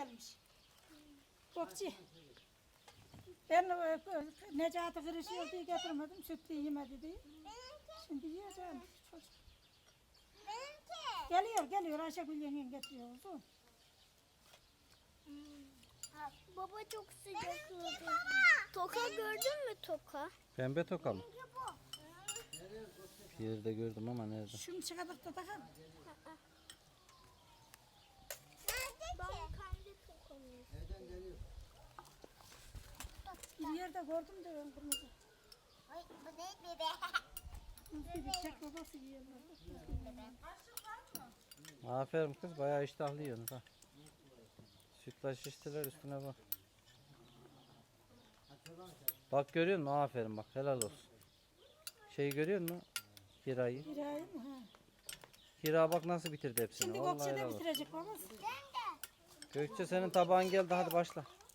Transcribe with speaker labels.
Speaker 1: gelmiş. Kokçu. Ben Necati kırışıyor diye getirmedim. Sütlü yemedi diye. Şimdi yiyeceğim çocuk. Geliyor. Ayşegül yengen getiriyor uzun.
Speaker 2: Baba çok sıcak oldu. Toka gördün mü toka?
Speaker 3: Pembe toka mı? Bir yerde gördüm ama nerede?
Speaker 1: Şunu çıkardık da takalım.
Speaker 2: Ben kendi tokamı.
Speaker 1: Bir yerde gördüm de ben kırmızı.
Speaker 2: Ay bu ne bebe?
Speaker 1: Bir çek babası yiyorlar.
Speaker 3: Aferin kız, bayağı iştahlı yiyorsunuz ha. Sütlaç içtiler, üstüne bak. Bak görüyor musun? Aferin bak, helal olsun. Şeyi görüyor musun? Hira'yı.
Speaker 1: Hira'yı mı? Ha.
Speaker 3: Hira bak nasıl bitirdi hepsini.
Speaker 1: Şimdi
Speaker 3: Vallahi
Speaker 1: Gökçe de
Speaker 3: helal olsun.
Speaker 1: bitirecek babası.
Speaker 3: Gökçe senin tabağın geldi, hadi başla.